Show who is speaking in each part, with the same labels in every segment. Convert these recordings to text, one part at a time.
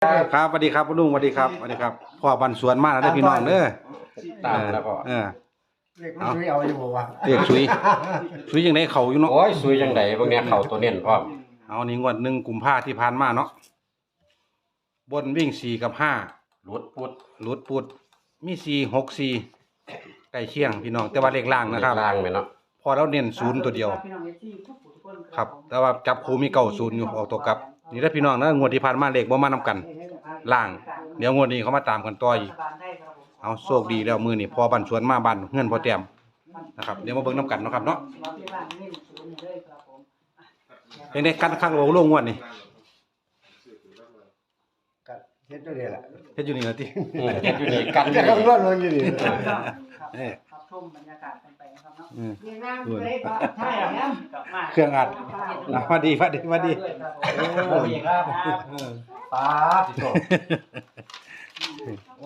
Speaker 1: ครับสวัสดีครับลุงสวัสดีครับพ่อบันสวนมาแล้วเด้อพี่น้องเด้อ
Speaker 2: ตามแล้วก็
Speaker 3: เรียกมันช่วยเอาอยู่บ่วะ
Speaker 1: เรียกสุยจังได๋เขาอยู่เนาะ
Speaker 2: โอ้ยสวยจังไดพวกเนี้ยเข้าตัวเน้นพร้อม
Speaker 1: เอานี่งวด1กุมภาพันธ์ที่ผ่านมาเนาะบนวิ่ง4กับ5
Speaker 2: หลุดพุด
Speaker 1: หลุดปุดมี4 6 4ใกล้เคียงพี่น้องแต่ว่าเลขล่างนะครับ
Speaker 2: ล่างแม่เนาะ
Speaker 1: พอเราเน้น0ตัวเดียวครับแต่ว่าจับคู่มี90อยู่ออกตัวกลับนี่เด้อพี่น้องนะงวดที่ผ่านมาเลขบ่มานํกันล่างเดี๋ยวงวดนี้เขามาตามกันต่ออีกเอาโชคดีแล้วมื้อนี้พอบันสวนมาบ้านเฮือนพ่อแต้มนะครับเดี๋ยวมาเบิ่งนํกันเนาะครับเนาะเป็นได้กันคักโลงงวดนี่
Speaker 3: ก็เฮ็ดด้วยนี่แหละ
Speaker 1: เฮ็ดอยู่นี่ล่ะติ
Speaker 2: เฮ็ดอยู่นี่กัน
Speaker 3: จะ
Speaker 2: นี่
Speaker 3: คำนวณลงอยู่นี่
Speaker 4: ครับชมบรรยากาศกันไปนะครับเนาะ
Speaker 3: ใช่ครับ
Speaker 4: กลับมา
Speaker 1: เครื่องอัดมาดี
Speaker 4: ครับ
Speaker 3: ป้าสิโตโอ้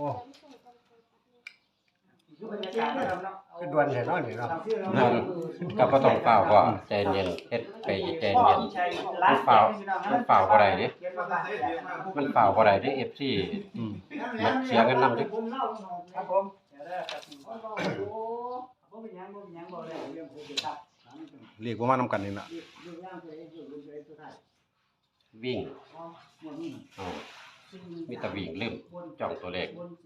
Speaker 4: บรรยากาศนะครับเนาะ
Speaker 3: คือด่วนแท้เนาะนี่เนาะ
Speaker 2: ก็บ่ต้องเฝ้าก็ใจเย็นเฮ็ดไปใจเย็นมันเฝ้าบ่ได้เด้มันเฝ้าบ่ได้เด้ FC มันเสียเงินนำเด้
Speaker 4: ครับผมเดี๋ยวเด้อครับบ่เป็นหยังบ่ได้เรื่องโควิดครับ
Speaker 1: เรียกว่ามานํกันนี่ล่ะ
Speaker 2: วิ่งเอามีแต่วิ่งลืมจ้องตัวเลข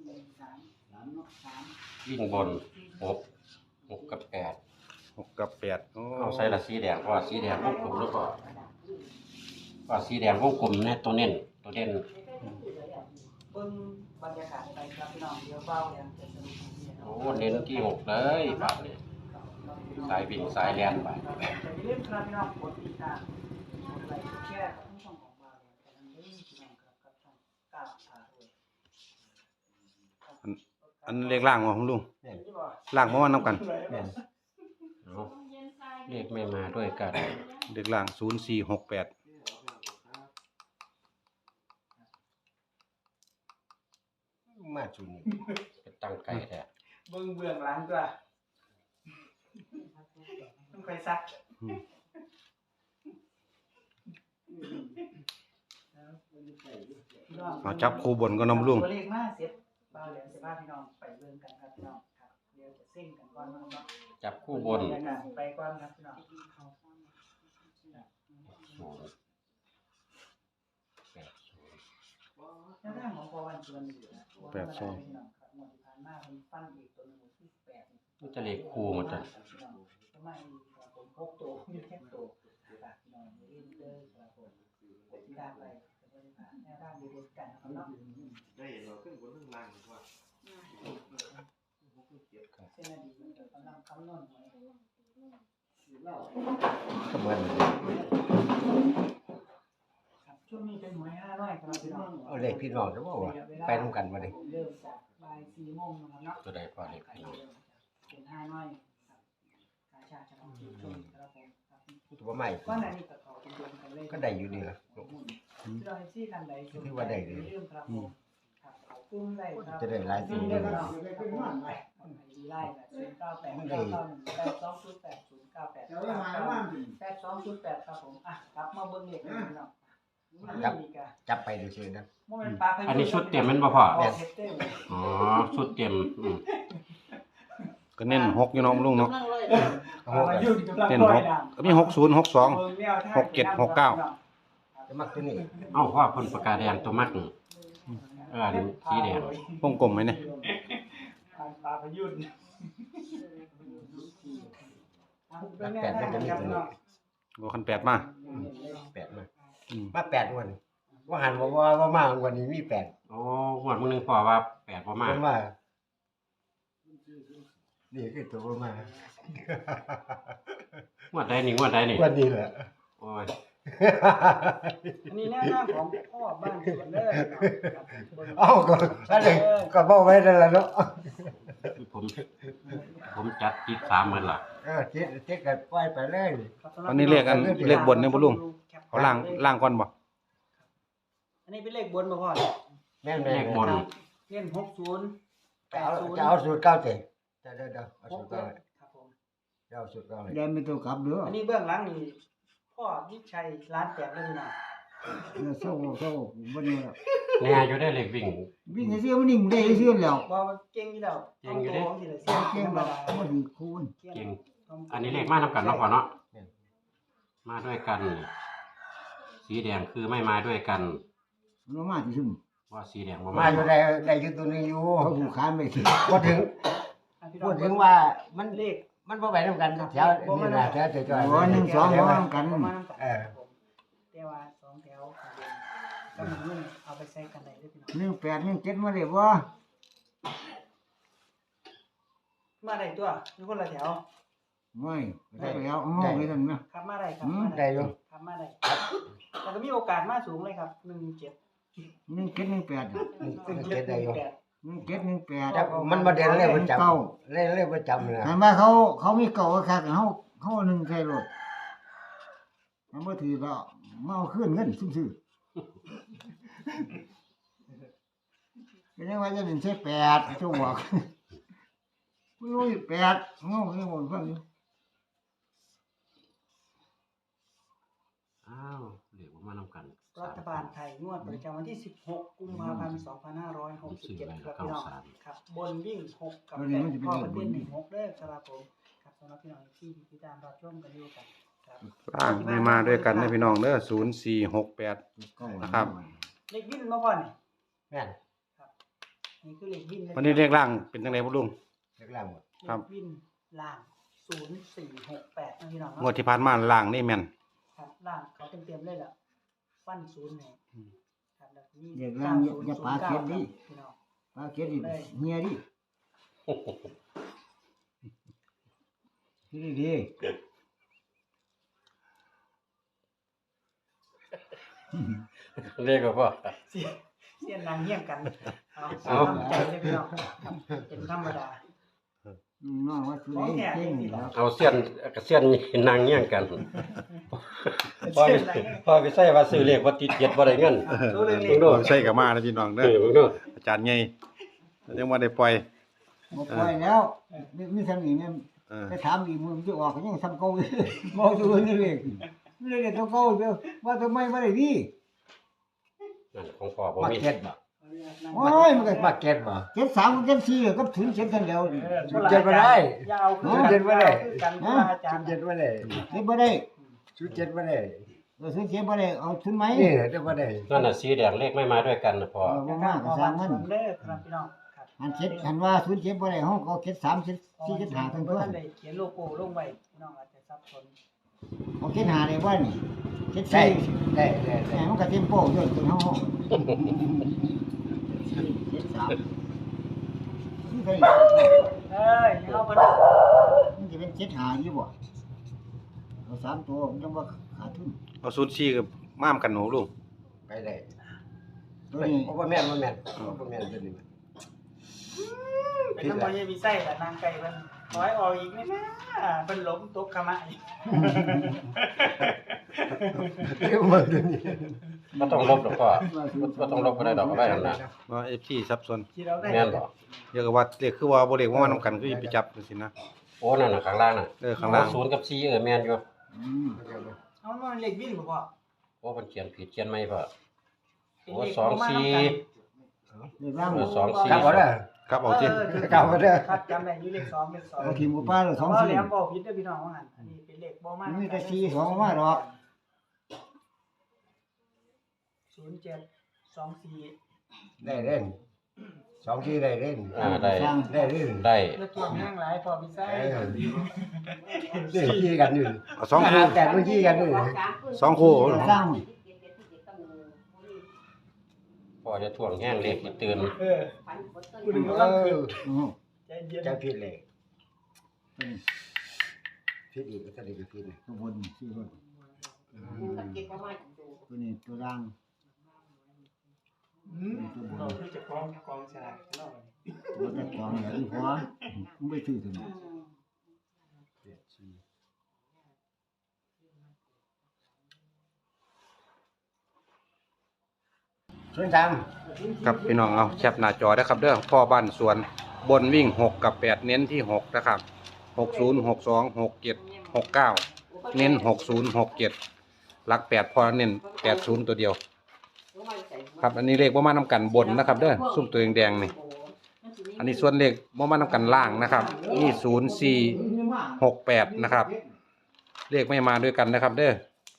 Speaker 2: วิ่งบน6กับ8
Speaker 1: 6กับ8โอ้
Speaker 2: เอาใส่ละสีแดงเพราะว่าสีแดงวงกลมหรือเปล่าว่าสีแดงวงกลมเนี่ยตัวเน้นตัวเด่น
Speaker 4: เบิ่งบรรยากาศไปครับพี่น้องเดี๋ยวเฝ้าเนี่ยจะสนุกดีนะ
Speaker 2: โอ้เน้นที่6เลยบาดนี้สายวิ่งสายแล่นไป
Speaker 4: อย่าลืมครับพี่น้องกดติดตามกดไลค์กดแชร์ครับทั้งช่องของเราเนี่ยแต่ทั้งนี้พี่น้องครับกับช่องก้าวพาด้วย
Speaker 1: อันเลขล่างของลุง
Speaker 3: แม่น
Speaker 1: ล่างบ่มานํกัน
Speaker 3: แม่น
Speaker 2: เอาเลขไม่มาด้วยกัน
Speaker 1: เลขล่าง0468
Speaker 3: มาจุนี่
Speaker 2: เป็นตั้งไก่แท้
Speaker 4: เบิ่งเบื้องหลังตัวต้องไปซัก
Speaker 1: เอาจับคู่บนก็นำลุง
Speaker 4: ตัวเลขมาเสร็จบ่าวเหลืองสิพาพี่น้องไปเบิ่งกันครับพี่น้องครับเดี๋ยวจะเซ็งกันก่อนนะครับ
Speaker 2: จับคู่บน
Speaker 4: ไปก่อนครับพี่น้อง แนวทางของพอวันชวนอยู่นะพี่น้องครับหมดที่ผ่านมาเพิ่นฟันอีกตัวนึงที่18
Speaker 2: มันจะเลขคู่หมดจ้ะ
Speaker 4: ประมาณผม6ตัวมีแค่ตัวฝากพี่น้องอย่าลืมเด้อครับผมกดติดตามไปก็ได้ผ่านแนวทางดีๆกันนะครับเนาะ
Speaker 5: ได้เห็นเราขึ้นบนเรื่องล่างว่า
Speaker 4: เส้นอดีตมันก็กำลังคำนวณไว้
Speaker 3: ก็เหมือน
Speaker 4: ครับช่วงนี้เป็นหวย500ครับพี่น้อง
Speaker 3: เอาเลขพี่น้องจะบ่ว่าไปนำกันบ่ได้
Speaker 4: เริ่มจากบ่าย4โมงนะครับเนาะ
Speaker 2: ตัวใดพอเลขพี่น้อง
Speaker 4: เป็น500ครับกาชาดเฉพาะกิจครับผมครับ
Speaker 3: ตัวใหม่
Speaker 4: ก็ในนี้ก็เขาเป็นเดือนกันเลย
Speaker 3: ก็ได้อยู่นี่ล่ะ
Speaker 4: ที่เราให้ซี่กันใด
Speaker 3: ถือว่าได้เลย
Speaker 4: เรื่องครับผมครับเขากุ้งได้ครับ
Speaker 3: จะได้หลายสี
Speaker 4: เล
Speaker 3: เลย ย
Speaker 4: ครับดีไล่แบบ098 991 8208 ครับผมอ่ะครับมาเบิ่งเลขกันพี่น้องอันนี้ก็
Speaker 3: จับไปดูซื่อนะ
Speaker 4: บ่แม่นปลาพายุ
Speaker 2: อันนี้ชุดเต็มแมันบ่พอ
Speaker 4: ออกเฮ็ดเต็ม
Speaker 2: อ๋อชุดเต็ม
Speaker 1: ก็เน้น6อยู่เนาะลุงเนาะ
Speaker 4: ปลาพายุกำลัง
Speaker 1: เน้น
Speaker 4: ลอย
Speaker 1: 6
Speaker 4: น้ำ
Speaker 1: ก็มี60 62
Speaker 4: เบิ่งแนวทาง
Speaker 1: 67 69
Speaker 3: จะมักตัวนี้
Speaker 2: เอ้าว่าเพิ่นประกาศแดงตัวมักนี่อันสีแดง
Speaker 1: วงกลมไหมเนี่ย
Speaker 4: ปลาพายุ
Speaker 3: รักแปดมันจะมีตัวนี้
Speaker 1: บ่คัน8มา
Speaker 3: 8มา
Speaker 1: อืม
Speaker 3: มา8วันว่าหันว่ามาวันนี้มี8
Speaker 2: โอ้งวดมื้อนึงพอว่า8บ่มา
Speaker 3: มันว่านี่คือตัวบ่มาง
Speaker 2: วดใดนี่งวดใดนี่
Speaker 3: วันนี้แหละ
Speaker 2: โอ้ย
Speaker 4: อันนี้แนวทางของพ่อบ้านสวนเด้อ
Speaker 3: เอ้าก็อะไรก็บอกไว้นั่นแหละเนาะ
Speaker 2: ผมจัดจิต3มื้อล่ะ
Speaker 3: เจ๊กันปล่อยไปเลย
Speaker 1: อันนี้เลขเลขบนเนี่ยบ่ลุงเอาล่างก่อนบ่
Speaker 4: อันนี้เป็นเลขบนบ่พ่อ
Speaker 3: แม่น
Speaker 2: เลขบน
Speaker 4: เล่น60
Speaker 3: จะเอาสูตรเก้าเจ๊เดี๋ยวเอาสูตรเก้า
Speaker 4: ครับผม
Speaker 3: จะเอาสูตรเก้าเลย
Speaker 6: ยันไม่ต้องขับเด้อ
Speaker 4: อันนี้เบื้องหลังนี่พ่อวิชัยร้านแตกเลยพี่น้อง
Speaker 6: เนี่ยเศร้าบ่นี่ล่ะ
Speaker 2: แน่อยู่ได้เลขวิ่ง
Speaker 3: วิ่งซื่อมันนิ่งได้ซื่อแล้ว
Speaker 4: บ่มันเก่งอยู่แล้ว
Speaker 2: เก่งอยู่เด้
Speaker 4: ต้องโตสิล่ะ
Speaker 3: เก่งบ่บ่ถือคูณ
Speaker 2: เก่งอันนี้เลขมานํกันเนาะพ่อเนาะมาด้วยกัน สีแดงคือไม่มาด้วยกัน
Speaker 3: มันมาที่ซุ่ม
Speaker 2: ว่าสีแดงบ่
Speaker 3: มา
Speaker 2: มา
Speaker 3: อยู่ได้อยู่ตัวนึงอยู่เขาผูกขานไปสิพูดถึงว่ามัน
Speaker 4: เลข
Speaker 3: มันบ่ไปนำกันแถวนี่ล่ะแถวจ่อยๆ
Speaker 4: บ่
Speaker 3: 1 2บ่นำกัน
Speaker 4: บ่มาำกัน
Speaker 3: เออ
Speaker 4: แต่ว่า2แถวก็มันนุ่มเอาไปใส่กันได้เด้อพี่น้อง
Speaker 3: 18 17มาได้บ่
Speaker 4: มาได้ตัวอยู่คนละแถว
Speaker 3: ไม่ได้แล้วเอาไปซั่นนะ
Speaker 4: ครับมาได้ครับ
Speaker 3: อืมได้อยู่
Speaker 4: ครับมาได้แต่ก็มีโอกาสมาสูงเลยครับ17
Speaker 3: 17ได้อยู่
Speaker 4: 17
Speaker 3: แต่มันบ่เด่นเลยประจำเลยประจำเลยถามว่าเขามีเก่าคักเฮา1ใส่รถมันบ่ถือก็มาเอาคืนเงินซื่อๆเป็นยังว่าจะเป็นใช้8ชั่วบอกไม่รู้8เฮาไม่บ่ฟังอยู่
Speaker 2: อ้าวเลขบ่มานํกัน
Speaker 4: รัฐบาลไทยงวดประจำวันที่16กุมภาพันธ์2567ครับพี่น้องครับบนวิ่ง6กับ8พ่อประเด็น16เด้อครับผมครับสำหรับพี่น้องที่ติดตามรับชมกันอยู่ครับครับ
Speaker 1: ล่างไม่มาด้วยกันนะพี่น้องเด้อ0468 นะครับ
Speaker 4: เลขวิ่งมาก่อนนี่
Speaker 3: แม่น
Speaker 4: นี่คือเลขวิ่ง
Speaker 1: วันนี้เลขล่างเป็นจังไดบ่ลุง
Speaker 3: เล็กแล้วหมด
Speaker 1: ครับ
Speaker 4: เลขวิ่งล่าง0468นะพี่น้อง
Speaker 1: งวดที่ผ่านมาล่างนี่แม่น
Speaker 4: ครับล่างเขาเต็มๆเลยล่ะฟัน0ให้ครับแล้วนี่
Speaker 3: เด็กล่างอย่าปาเก็ดดิ
Speaker 4: พี่น้อง
Speaker 3: ปาเก็ดดิเฮียดิดี
Speaker 2: เลขก็พ่อ
Speaker 4: เสียนนางเฮี้ยงกันเอา
Speaker 2: เอา
Speaker 4: ทำใจเลยพี่น้องครับเป็นธรรมดา
Speaker 3: น้องว่าสุดเก่งแล้ว
Speaker 2: เอาเสี้ยนกับเสี้ยนนางเงี้ยงกันพ่อไปใส่ว่าซื้อเลขว่าติดเจ็ดบ่ได้เงิน
Speaker 4: รู้เรื่อง
Speaker 2: เบิ่ง
Speaker 4: นี้
Speaker 2: ดู
Speaker 1: ใช่กับมานะพี่น้องเด้
Speaker 2: เอ
Speaker 1: อ
Speaker 2: อเบิ่งดู
Speaker 1: อาจารย์ใหญ่ยังบ่ได้ปล่อย
Speaker 3: บ่ปล่อยแล้วมีทำนี่แม่
Speaker 1: เออ
Speaker 3: ไปถามอีกมือมันจะออกก็ยังทำเก่าอยู่บ่ดูนี่เลยไม่ได้ตัวเก่าเด้อว่าทำไมบ่ได้ดี
Speaker 2: นั่นของพ่อบ่
Speaker 3: มา
Speaker 2: มี
Speaker 3: เก็ตบ่โอ้ยมันก็มาเก็ตบ่เก็ต3กับเก็ต4กับ0เก็ตกันแล้วเก็ตบ่ได้
Speaker 4: ยาว
Speaker 3: เจ็ดบ่ได้
Speaker 4: กันว่าอาจารย์
Speaker 3: เก็ตบ่ได้เก็ตบ่ได้0เก็ตบ่ได้0เก็ตบ่ได้เอาทุนไหมนี่เด้บ่ได้
Speaker 2: นั่นน่ะสีแดงเลขไม่มาด้วยกันนะพ่อ
Speaker 3: บ่มาก็สร้างมัน
Speaker 4: เด้อครับพี่น้องครับ
Speaker 3: อันเก็ตอันว่า0เก็ตบ่ได้เฮาก็เก็ต3เก็ต4เก็ต5ทั้ง
Speaker 4: เพิ่
Speaker 3: ตัว
Speaker 4: นได้เขียนโลโก้ลงไว้พี่น้องอาจจะสับสน
Speaker 3: เอาเก็ต5ได้บ่นี่เก็ต4ได้มันก็เต็มโป้ด้วยตัวเฮาเก็ต3นี่เคย
Speaker 4: เอ้ยเอาบ่
Speaker 3: มันจะเป็นเจ็ดหาอยู่บ่เอา3ตัวมันจังว่าขาดทุน
Speaker 1: เอา04กับม่ามกันหนูลุง
Speaker 3: ไปได้ตัวนี้บ่แม่นตัวนี้
Speaker 4: เป็นน้ำมันยังมีไส้ละนางไก่เพิ่นขอให้ออกอีกนี่นะเพิ่นล้มตกขมะอีก
Speaker 3: เรียกว่าตัวนี้
Speaker 2: บ่ต้องลบหรอกพ่อบ่ต้องลบก็ได้ดอกเอาไว้หั่นน่ะ
Speaker 1: ว่า FC สับสน
Speaker 4: ที่เราได้
Speaker 2: แม่นบ่
Speaker 1: เรียกว่าเลขคือว่าบ่เลขว่ามานํกันคือสิไปจับจังซี่นะ
Speaker 2: โอ้นั่นน่ะข้างล่างน่ะ
Speaker 1: ข้างล่าง
Speaker 2: 0กับ4แม่นอยู่
Speaker 4: เอามันเล็กวิ่งบ่พ่อ
Speaker 2: โอ้เพิ่นเขียนผิดเขียนใหม่พ่อ
Speaker 4: เป็น
Speaker 2: โอ้
Speaker 4: เลข
Speaker 2: 2
Speaker 4: บ่มา
Speaker 2: 4
Speaker 4: นำกัน
Speaker 3: เรียกร่าง
Speaker 2: 2 4
Speaker 3: กลับบ่ได้
Speaker 1: ครับเอาสิ
Speaker 3: กลับบ่ได้
Speaker 4: ครับจำได้อยู่เลข2เลข2
Speaker 3: เอาทีมกับป้าเลย
Speaker 4: 2
Speaker 3: 2
Speaker 4: แหลม
Speaker 3: 4
Speaker 4: บ่ผิดเด้อพี่น้องว่างั้นอันนี้เป็นเลขบ่มา
Speaker 3: มีแต่4 2มาดอก
Speaker 4: 07 24
Speaker 3: ได้เล่น2ที่ได้เล่น
Speaker 2: ได้
Speaker 3: สร้างได้เล่น
Speaker 2: ได้
Speaker 4: แล้วตัวแห้งหลายพอพี่ไส้
Speaker 3: เล่นขี้กันอยู่
Speaker 1: เอา2คู่
Speaker 3: แต่มันขี้กันอยู่
Speaker 1: 2คู่
Speaker 3: สร้าง
Speaker 2: พ่อจะท่วงแห้งเลขที่ตื่น
Speaker 4: กูนึกว่าคือ ใจเย็น
Speaker 3: จะผิดเลยผิดอีกก็ได้ผิดตัวบน4คนตัวนี้ตัวล่าง
Speaker 4: เราคือจะกองฉลากเนาะ
Speaker 3: บ่ได้จองอย่างอีพอมึงไปซื้อตัวนี้ส่วน3
Speaker 1: ครับพี่น้องเอาแคปหน้าจอได้ครับเด้อพ่อบ้านสวนบนวิ่ง6กับ8เน้นที่6นะครับ60 62 67 69เน้น60 67หลัก8พอเน้น80ตัวเดียวครับอันนี้เลขบ่มานำกันบนนะครับเด้อซุ่มตัวแดงๆนี่อันนี้ส่วนเลขบ่มานำกันล่างนะครับนี่0468นะครับเลขไม่มาด้วยกันนะครับเด้อ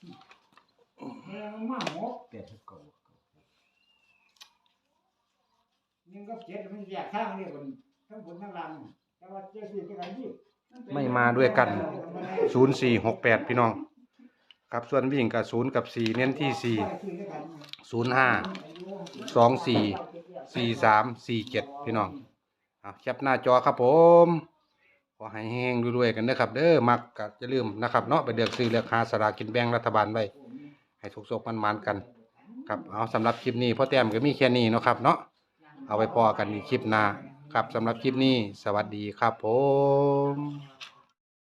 Speaker 3: ยังก็เจ็ดมันแยกทางนี่คนทั้งบนทั้งล่างแต่ว่าเจ้าสิเป็นกันที่
Speaker 1: ไม่มาด้วยกัน0468พี่น้องครับส่วนวิ่งกับ0กับ4เน้นที่4 05 24 43 47พี่น้องแคปหน้าจอครับผมขอให้แห้งๆรวยๆกันนะครับเด้อมักก็อย่าลืมนะครับเนาะไปเลือกซื้อเลือกหาสลากกินแบ่งรัฐบาลไว้ให้สุกๆมันๆกันครับเอาสำหรับคลิปนี้พ่อแต้มก็มีแค่นี้เนาะครับเนาะเอาไว้พอกันในคลิปหน้าครับสำหรับคลิปนี้สวัสดีครับผม